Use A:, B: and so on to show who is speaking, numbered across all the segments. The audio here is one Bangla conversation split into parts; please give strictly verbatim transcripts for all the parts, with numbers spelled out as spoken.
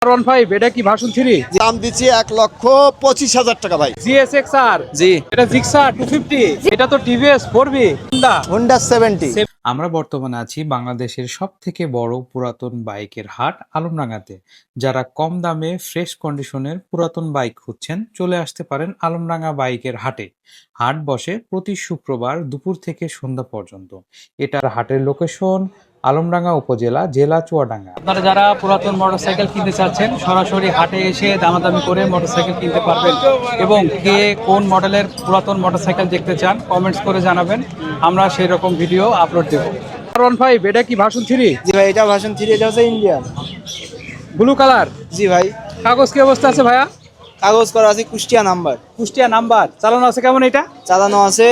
A: ওয়ান ফাইভ এটা কি ভার্সন থ্রি?
B: দাম দিচ্ছি এক লক্ষ পঁচিশ হাজার টাকা ভাই।
A: জিএসএক্সআর
B: জি,
A: এটা জিক্সার টু ফিফটি, এটা তো TVS four B Honda
B: Honda seventy.
C: আমরা বর্তমানে আছি বাংলাদেশের সব থেকে বড় পুরাতন বাইকের হাট আলমডাঙ্গাতে। যারা কম দামে ফ্রেশ কন্ডিশনের পুরাতন বাইক খুঁজছেন চলে আসতে পারেন আলমডাঙ্গা বাইকের হাটে। হাট বসে প্রতি শুক্রবার দুপুর থেকে সন্ধ্যা পর্যন্ত। এটার হাটের লোকেশন আলমডাঙ্গা উপজেলা, জেলা চুয়াডাঙ্গা।
A: আপনারা যারা পুরাতন মোটরসাইকেল কিনতে চাচ্ছেন সরাসরি হাটে এসে দামাদামি করে মোটরসাইকেল কিনতে পারবেন এবং কে কোন মডেলের পুরাতন মোটরসাইকেল দেখতে চান কমেন্টস করে জানাবেন, আমরা সেই রকম ভিডিও আপলোড দেব। ওয়ান ফাইভ এটা কি ভার্সন থ্রি?
D: জি ভাই, এটা ভার্সন থ্রি, এটা হচ্ছে ইন্ডিয়ান।
A: Blue colour.
D: জি ভাই,
A: কাগজ কি অবস্থা আছে ভাইয়া?
D: কাগজ করা আছে কুষ্টিয়া নাম্বার।
A: কুষ্টিয়া নাম্বার। চালানো আছে কেমন এটা?
D: চালানো আছে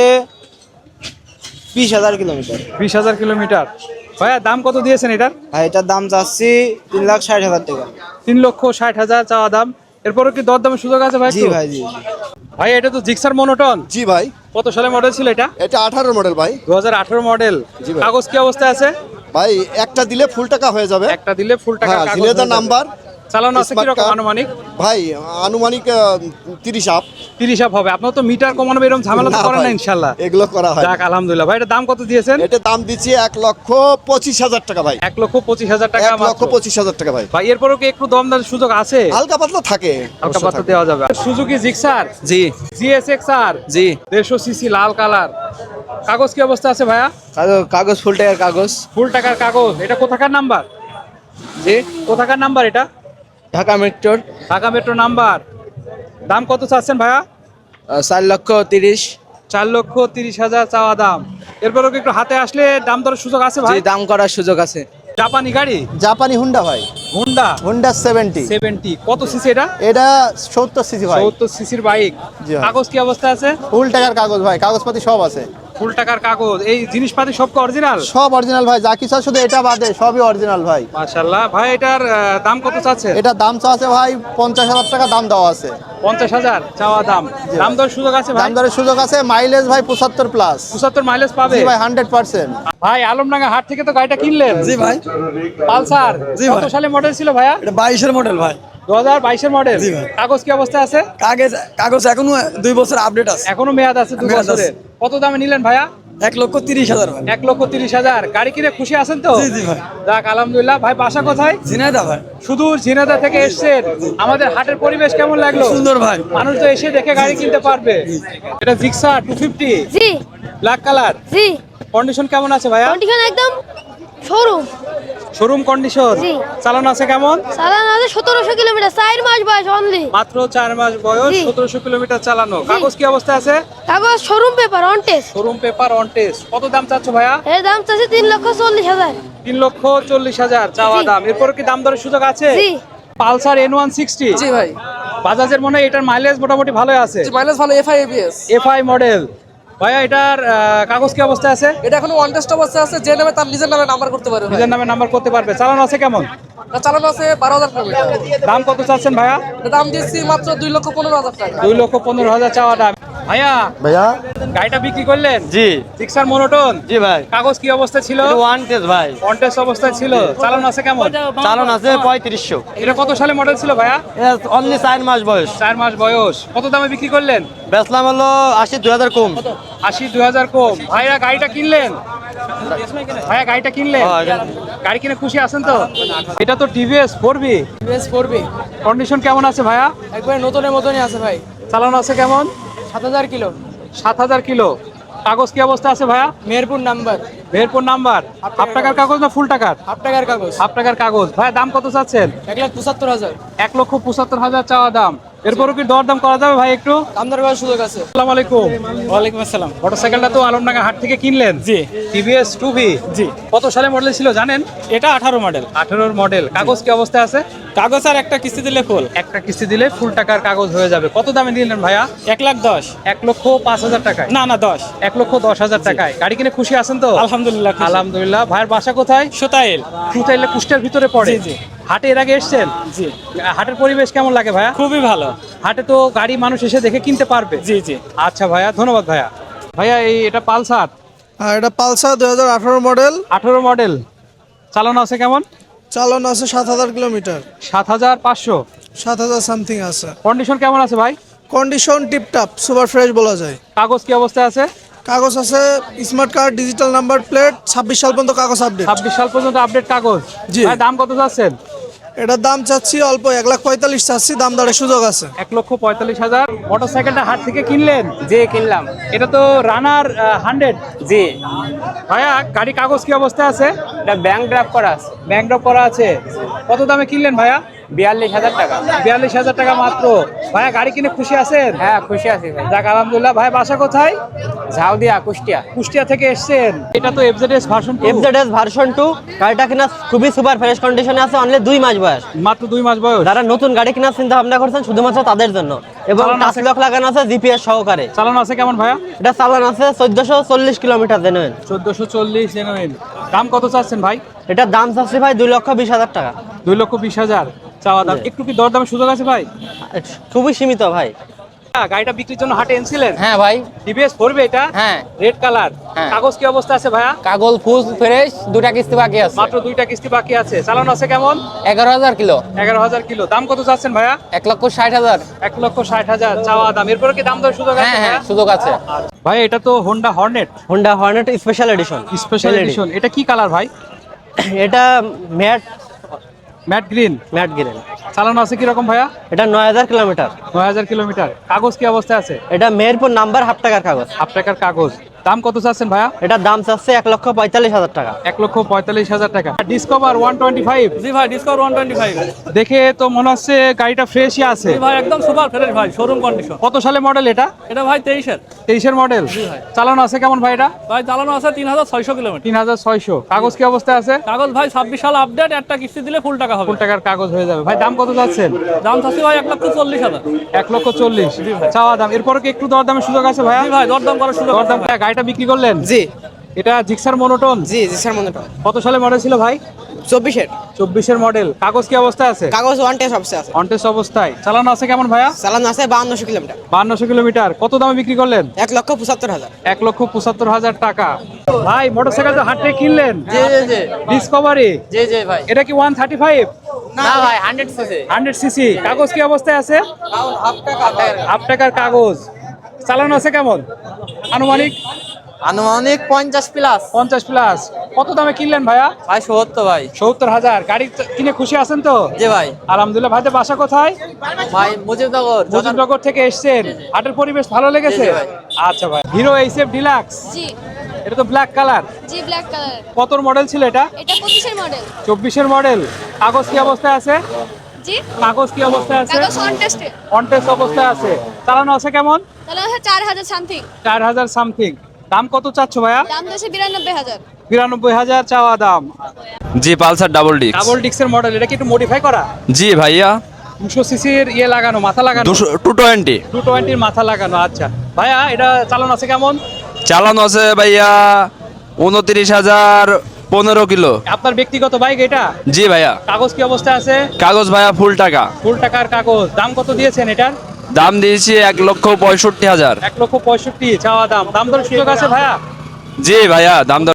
D: বিশ হাজার কিলোমিটার।
A: বিশ হাজার কিলোমিটার। ভাইয়া দাম কত দিয়েছেন এটার?
D: ভাই এটার দাম চাচ্ছি তিন লাখ ষাট হাজার টাকা।
A: তিন লক্ষ ষাট হাজার চাওয়া দাম। এরপরে কি দর দামের সুযোগ আছে ভাই?
D: জি ভাই, জি
A: ভাই এটা তো জিক্সার মনোটন।
B: জি ভাই,
A: কত সালে মডেল ছিল এটা?
B: এটা আঠারো মডেল ভাই।
A: দু হাজার আঠারো মডেল।
B: জি ভাই।
A: কাগজ কি অবস্থায় আছে?
B: ভাই একটা দিলে ফুল টাকা হয়ে যাবে।
A: একটা দিলে ফুল টাকা
B: হ্যাঁ,
A: কাগজ
B: জিলেদার
A: হয়ে যাবে।
B: নাম্বার।
A: চালানো আছে
B: স্মার্ট
A: কিরকম
B: কার্ড।
A: আনুমানিক?
B: ভাই আনুমানিক তিরিশ আপ।
A: তিরিশ আপ হবে। আপনার তো মিটার কমানো এরকম ঝামেলা তো
B: না
A: করেন না
B: ভাই,
A: ইনশাল্লাহ?
B: এগুলো করা হয়।
A: যাক আলহামদুলিল্লাহ। ভাই এটা দাম কত দিয়েছেন?
B: এটা দাম দিচ্ছি এক লক্ষ পঁচিশ হাজার টাকা ভাই।
A: এক লক্ষ পঁচিশ হাজার টাকা
B: এক লক্ষ
A: মাত্র।
B: পঁচিশ হাজার টাকা ভাই।
A: ভাই এরপরও কি একটু দম দামের সুযোগ আছে?
B: হালকা পাতলা থাকে,
A: হালকা
B: অবশ্য
A: পাত্র
B: থাকে।
A: দেওয়া যাবে। Suzuki Gixxer
D: G
A: GSXR
D: G.
A: দেড়শো সিসি লাল কালার। কাগজ কি অবস্থা আছে ভাইয়া?
D: কাগজ কাগজ ফুল টাকার কাগজ।
A: ফুল টাকার কাগজ। এটা কোথাকার নাম্বার?
D: জি,
A: কোথাকার নাম্বার এটা?
D: ঢাকা মেট্রোর।
A: Dhaka metro number. দাম কত চাচ্ছেন ভাইয়া?
D: আহ, চার লক্ষ তিরিশ।
A: চার লক্ষ তিরিশ হাজার চাওয়া দাম। এরপরও কি একটু হাতে আসলে দাম দরের সুযোগ আছে
D: জি,
A: ভাই?
D: দাম করার সুযোগ আছে।
A: জাপানি গাড়ি
B: জাপানি হুন্ডা ভাই,
A: হোন্ডা
B: হোন্ডা সেভেন্টি।
A: সেভেন্টি। কত সিসি এটা?
B: এটা সত্তর সিসি ভাই।
A: সত্তর সিসির বাইক।
B: জি ভাই।
A: কাগজ কি অবস্থা আছে?
B: ফুল টাকার কাগজ ভাই, কাগজপাতি সব আছে।
A: ফুল টাকার কাগজ। এই জিনিসপাতি সব অরিজিনাল?
B: সব অরিজিনাল ভাই, যা কিছু আছে শুধু এটা বাদে সবই অরিজিনাল ভাই।
A: মাশাআল্লাহ। ভাই এটার আহ, দাম কত চাচ্ছে?
B: এটা দাম চা আছে ভাই পঞ্চাশ হাজার টাকা দাম দেওয়া আছে।
A: পঞ্চাশ হাজার চাওয়া দাম।
B: জি
A: দাম
B: ভাই।
A: দরের সুযোগ আছে ভাই?
B: দাম দরের সুযোগ আছে, মাইলেজ ভাই পঁচাত্তর প্লাস।
A: পঁচাত্তর মাইলেজ পাবে?
B: জি ভাই, হান্ড্রেড পার্সেন্ট।
A: ভাই আলমডাঙ্গা হাট থেকে তো গাড়িটা কিনলেন?
E: জি ভাই।
A: পালসার।
E: জি
A: কত
E: ভাই।
A: সালে মডেল ছিল ভাইয়া?
E: এটা বাইশের মডেল ভাই।
A: দু হাজার বাইশের মডেল।
E: জি ভাই।
A: কাগজ কি অবস্থা আছে?
E: কাগজ কাগজ এখনো দুই বছর আপডেট আছে।
A: এখনো মেয়াদ আছে দু
E: মেয়াদ আছে।
A: বছরের। কত দামে নিলেন ভাইয়া?
E: এক লক্ষ তিরিশ হাজার ভাই।
A: এক লক্ষ তিরিশ হাজার। গাড়ি কিনে খুশি আছেন তো?
E: জি জি ভাই।
A: যাক আলহামদুলিল্লাহ। ভাই বাসা কোথায়?
E: ঝিনাইদহ ভাই।
A: শুধু ঝিনাইদহ থেকে এসেছেন। আমাদের হাটের পরিবেশ কেমন লাগলো?
E: সুন্দর ভাই।
A: মানুষ তো এসে দেখে গাড়ি কিনতে পারবে। এটা Gixxer two fifty
F: G
A: black colour.
F: G.
A: Condition কেমন আছে ভাইয়া?
F: কন্ডিশন একদম শোরুম।
A: Showroom condition.
F: জি।
A: চালানো আছে কেমন?
F: চালানো আছে সতেরোশো কিলোমিটার, চার মাস বয়স অনলি।
A: মাত্র চার মাস বয়স,
F: জি।
A: সতেরোশো কিলোমিটার চালানো। কাগজ কি অবস্থা আছে?
F: কাগজ showroom paper on test.
A: Showroom paper on test. কত দাম চাচ্ছ ভাইয়া?
F: এর দাম চাচ্ছে তিন লক্ষ চল্লিশ হাজার।
A: তিন লক্ষ চল্লিশ হাজার চাওয়া
F: জি।
A: দাম। এরপর কি দাম দরের সুযোগ আছে?
F: জি
A: পালসার এন ওয়ান সিক্সটি।
E: জি ভাই।
A: বাজাজের মনে হয় এটার মাইলেজ মোটামুটি ভালোই আছে।
E: মাইলেজ ভালো, এফআই এবিএস।
A: FI model. ভাইয়া এটার আহ, কাগজ কি অবস্থা আছে?
E: এটা এখনো ওয়ান টেস্ট অবস্থা আছে, যে নামে তার নিজের নামে নাম্বার করতে পারবে ভাই।
A: নিজের নামে নাম্বার করতে পারবে। চালানো আছে কেমন?
E: এটা চালানো আছে বারো হাজার কিলোমিটার।
A: দাম কত চাচ্ছেন ভাইয়া?
E: এটা দাম দিচ্ছি মাত্র দুই লক্ষ পনেরো হাজার টাকা।
A: দুই লক্ষ পনেরো হাজার চাওয়া দাম। ভাইয়া
B: ভাইয়া
A: গাড়িটা বিক্রি করলেন?
G: জি
A: জিক্সার মনোটন।
G: জি ভাই,
A: কাগজ কি অবস্থা ছিল?
G: ওয়ান টেস্ট ভাই।
A: কন্টেস্ট অবস্থায় ছিল। চালানো আছে কেমন?
G: চালন আছে পঁয়ত্রিশশো।
A: এটা কত সালে মডেল ছিল ভাইয়া?
G: অনলি চার মাস বয়স।
A: চার মাস বয়স। কত দামে বিক্রি করলেন?
G: বেচলাম হলো আশি, দুই হাজার কম।
A: আশি দুই হাজার কম। ভাইয়া গাড়িটা কিনলেন? ভাইয়া গাড়িটা কিনলেন?
G: হ্যাঁ, এটা-
A: গাড়ি কিনে খুশি আছেন তো? এটা তো TVS four B.
E: TVS four B
A: condition কেমন আছে ভাইয়া?
E: একবারে নতুনের মতনই আছে ভাই।
A: চালানো আছে কেমন?
E: সাত হাজার কিলো।
A: সাত হাজার কিলো। কাগজ কি অবস্থা আছে ভাইয়া?
E: Meherpur number.
A: Meherpur number. Half টাকার কাগজ না ফুল টাকার?
E: হাফ টাকার কাগজ।
A: হাফ টাকার কাগজ। ভাইয়া দাম কত চাচ্ছেন?
E: এক লাখ পঁচাত্তর হাজার।
A: এক লক্ষ পঁচাত্তর হাজার চাওয়া দাম। এরপরও কি দর দাম করা যাবে ভাই একটু?
E: দাম দর করার সুযোগ আছে।
A: আসসালামু আলাইকুম।
E: ওয়ালাইকুম আসসালাম।
A: মোটরসাইকেলটা তো আলমডাঙ্গা হাট থেকে কিনলেন?
E: জি
A: টিভিএস টু ভি।
E: জি।
A: কত সালে মডেল ছিল জানেন?
E: এটা আঠারো মডেল।
A: আঠারোর মডেল। কাগজ কি অবস্থায় আছে?
E: কাগজ আর একটা কিস্তি দিলে ফুল।
A: একটা কিস্তি দিলে ফুল টাকার কাগজ হয়ে যাবে। কত দামে নিলেন ভাইয়া?
E: এক লাখ দশ।
A: এক লক্ষ পাঁচ হাজার টাকায়?
E: না না দশ।
A: এক লক্ষ দশ হাজার টাকায়। গাড়ি কিনে খুশি আছেন তো?
E: আলহামদুলিল্লাহ।
A: আলহামদুলিল্লাহ। ভাইয়ের বাসা কোথায়?
E: সুতাইল।
A: সুতাইলে কুষ্টিয়ার ভিতরে পড়ে?
E: জি, জি।
A: হাটে এর আগে এসছেন?
E: জি।
A: হাটের পরিবেশ কেমন লাগে ভাইয়া?
E: খুবই ভালো।
A: হাটে তো গাড়ি মানুষ এসে দেখে কিনতে পারবে।
E: জি জি।
A: আচ্ছা ভাইয়া, ধন্যবাদ ভাইয়া। ভাইয়া এই এটা পালসার
H: আর এটা পালসার দুই হাজার আঠারো মডেল।
A: আঠারো মডেল। চালানো আছে কেমন?
H: চালানো আছে সাত হাজার কিলোমিটার,
A: সাত হাজার পাঁচশো।
H: সাত হাজার সামথিং আছে।
A: কন্ডিশন কেমন আছে ভাই?
H: কন্ডিশন টিপটাপ, সুপার ফ্রেশ বলা যায়।
A: কাগজ কি অবস্থায় আছে?
H: কাগজ আছে smart card, digital number plate, ছাব্বিশ সাল পর্যন্ত কাগজ আপডেট।
A: ছাব্বিশ সাল পর্যন্ত আপডেট কাগজ।
H: জি।
A: ভাই দাম কত চাচ্ছেন?
H: এটার দাম চাচ্ছি অল্প, এক লাখ পঁয়তাল্লিশ চাচ্ছি, দাম দরের সুযোগ আছে।
A: এক লক্ষ পঁয়তাল্লিশ হাজার। মোটরসাইকেলটা হাট থেকে কিনলেন?
E: জি কিনলাম।
A: এটা তো রানার হান্ড্রেড।
E: জি,
A: ভাইয়া গাড়ি কাগজ কি অবস্থায় আছে?
E: এটা ব্যাংক ড্রাফট করা আছে।
A: ব্যাংক ড্রপ করা আছে। কত দামে কিনলেন ভাইয়া?
E: বিয়াল্লিশ হাজার টাকা।
A: বিয়াল্লিশ হাজার টাকা মাত্র। ভাইয়া গাড়ি কিনে খুশি আছেন?
E: হ্যাঁ খুশি আছি ভাই।
A: যাক আলহামদুলিল্লাহ। ভাই বাসা কোথায়?
E: ঝাউদিয়া, কুষ্টিয়া।
A: কুষ্টিয়া থেকে এসেছেন। এটা তো FZS version two.
G: FZS version two, গাড়িটা কিনা খুবই সুপার ফ্রেশ কন্ডিশনে আছে, অনলি দুই মাস বয়স।
A: মাত্র দুই মাস বয়স।
G: যারা নতুন গাড়ি কেনার চিন্তা ভাবনা করছেন শুধুমাত্র তাদের জন্য, এবং
A: চালানো
G: টাচ
A: আছে?
G: লক লাগানো আছে জিপিএস সহকারে।
A: চালানো আছে কেমন ভাইয়া?
G: এটা চালান আছে চোদ্দশো চল্লিশ কিলোমিটার জেনুইন।
A: চোদ্দশো চল্লিশ জেনুইন। দাম কত চাচ্ছেন ভাই?
G: এটার দাম চাচ্ছি ভাই দুই লক্ষ বিশ হাজার টাকা।
A: দুই লক্ষ বিশ হাজার চাওয়া দাম। একটু কি দরদামের সুযোগ আছে ভাই?
G: খুবই সীমিত ভাই।
A: গাড়িটা বিক্রির জন্য হাটে এনেছিলেন?
E: হ্যাঁ ভাই।
A: টিভিএস পড়বে এটা?
E: হ্যাঁ।
A: Red colour.
E: হ্যাঁ।
A: কাগজ কি অবস্থা আছে ভাইয়া?
E: কাগজ ফুল ফ্রেশ, দুটা কিস্তি বাকি আছে।
A: মাত্র দুইটা কিস্তি বাকি আছে। চালানো আছে কেমন?
E: এগারো হাজার কিলো।
A: এগারো হাজার কিলো। দাম কত চাচ্ছেন ভাইয়া?
E: এক লক্ষ ষাট হাজার।
A: এক লক্ষ ষাট হাজার চাওয়া দাম। এরপরে কি দাম দর সুযোগ আছে?
E: হ্যাঁ হ্যাঁ
A: ভাইয়া?
E: সুযোগ আছে।
A: ভাই এটা তো Honda Hornet
G: Honda Hornet special edition.
A: Special edition. এটা কি কালার ভাই?
G: এটা matte
A: matte green.
G: Matte green.
A: চালানো আছে কি রকম ভাইয়া?
G: এটা নয় হাজার কিলোমিটার।
A: নয় হাজার কিলোমিটার। কাগজ কি অবস্থায় আছে?
G: এটা মেহেরপুর নাম্বার, হাফ টাকার কাগজ।
A: হাফ টাকার কাগজ। দাম কত চাচ্ছেন ভাইয়া?
G: এটার দাম চাচ্ছে এক লক্ষ পঁয়তাল্লিশ হাজার টাকা।
A: এক লক্ষ পঁয়তাল্লিশ হাজার টাকা। Discover one twenty five.
E: জি ভাই, ডিসকভার ওয়ান টোয়েন্টি ফাইভ।
A: দেখে তো মনে হচ্ছে গাড়িটা ফ্রেশই আছে।
E: ভাই একদম সুপার ফ্রেশ ভাই, শোরুম কন্ডিশন।
A: কত সালে মডেল এটা?
E: এটা ভাই তেইশের।
A: তেইশের মডেল। চালানো আছে কেমন ভাই এটা?
E: ভাই চালানো আছে তিন হাজার ছয়শো কিলোমিটার।
A: তিন হাজার ছয়শো। কাগজ কি অবস্থায় আছে?
E: কাগজ ভাই ছাব্বিশ সাল আপডেট, একটা কিস্তি দিলে ফুল টাকা হবে।
A: ফুল টাকার কাগজ হয়ে যাবে। ভাই দাম কত যাচ্ছেন?
E: দাম থাকছে ভাই এক লক্ষ চল্লিশ হাজার।
A: এক লক্ষ চল্লিশ চাওয়া দাম। এরপরে কি একটু দরদামের সুযোগ আছে ভাইয়া?
E: জি ভাই, দরদাম করার সুযোগ আছে।
A: দরদাম। গাড়িটা বিক্রি করলেন?
D: জি
A: এটা জিক্সার মনোটন।
D: জি জি স্যার, মনে
A: কত সালে মডেল ছিল ভাই?
D: চব্বিশের।
A: চব্বিশের মডেল। কাগজ কি অবস্থায় আছে?
D: কাগজ ওয়ান টেস্ট অবস্থা আছে।
A: অনটেস্ট অবস্থায়। চালানো আছে কেমন ভাইয়া?
D: চালানো আছে বাহান্নশো কিলোমিটার।
A: বান্নশো কিলোমিটার। কত দামে বিক্রি করলেন?
D: এক লক্ষ পঁচাত্তর হাজার।
A: এক লক্ষ পঁচাত্তর হাজার টাকা। ভাই মোটরসাইকেল তো হাট থেকে কিনলেন?
D: জি জি জি
A: ডিসকভারি।
D: জি জি ভাই।
A: এটা কি ওয়ান থার্টি ফাইভ?
D: না ভাই, হান্ড্রেড সিসি।
A: Hundred CC. কাগজ কি অবস্থায় আছে? হাফ টাকার কাগজ। চালানো আছে কেমন আনুমানিক?
D: আনুমানিক পঞ্চাশ প্লাস।
A: পঞ্চাশ প্লাস। কত দামে কিনলেন ভাইয়া?
D: ভাই সত্তর ভাই।
A: সত্তর হাজার। গাড়ি কিনে খুশি আছেন তো?
D: জি ভাই।
A: আলহামদুলিল্লাহ। ভাইদের বাসা কোথায়?
D: ভাই মুজিবনগর।
A: মুজিবনগর থেকে এসেছেন। হাটের পরিবেশ ভালো লেগেছে?
D: জি, জি ভাই।
A: আচ্ছা ভাই। Hero HF deluxe.
F: জি
A: এটা তো ব্ল্যাক কালার।
F: জি ব্ল্যাক কালার।
A: কত মডেল ছিল এটা?
F: এটা পঁচিশের মডেল।
A: চব্বিশের মডেল। কাগজ কি অবস্থায় আছে?
F: জি
A: কাগজ কি অবস্থায় আছে?
F: কাগজ অন টেস্টে।
A: অনটেস্ট অবস্থায় আছে। চালানো আছে কেমন?
F: তাহলে আছে চার হাজার সামথিং।
A: চার হাজার সামথিং। দাম কত চাচ্ছ ভাইয়া?
F: দাম দিয়েছে বিরানব্বই হাজার।
A: বিরানব্বই হাজার চাওয়া দাম।
I: জি পালসার ডাবল ডিস্ক।
A: ডাবল ডিক্সের মডেল। এটা কি একটু মডিফাই করা?
I: জি ভাইয়া,
A: দুশো সিসির ইয়ে লাগানো, মাথা লাগানো।
I: দুশো টু টোয়েন্টি
A: টু টোয়েন্টির মাথা লাগানো। আচ্ছা ভাইয়া এটা চালানো আছে কেমন?
I: চালানো আছে ভাইয়া উনত্রিশ হাজার পনেরো কিলো।
A: আপনার ব্যক্তিগত বাইক এটা?
I: জি ভাইয়া।
A: কাগজ কি অবস্থায় আছে?
I: কাগজ ভাইয়া ফুল টাকা।
A: ফুল টাকার কাগজ। দাম কত দিয়েছেন এটার?
I: দাম দিয়েছি এক লক্ষ পঁয়ষট্টি হাজার।
A: এক লক্ষ পঁয়ষট্টি চাওয়া দাম। দাম দর সুযোগ আছে ভাইয়া?
I: জি ভাইয়া, দাম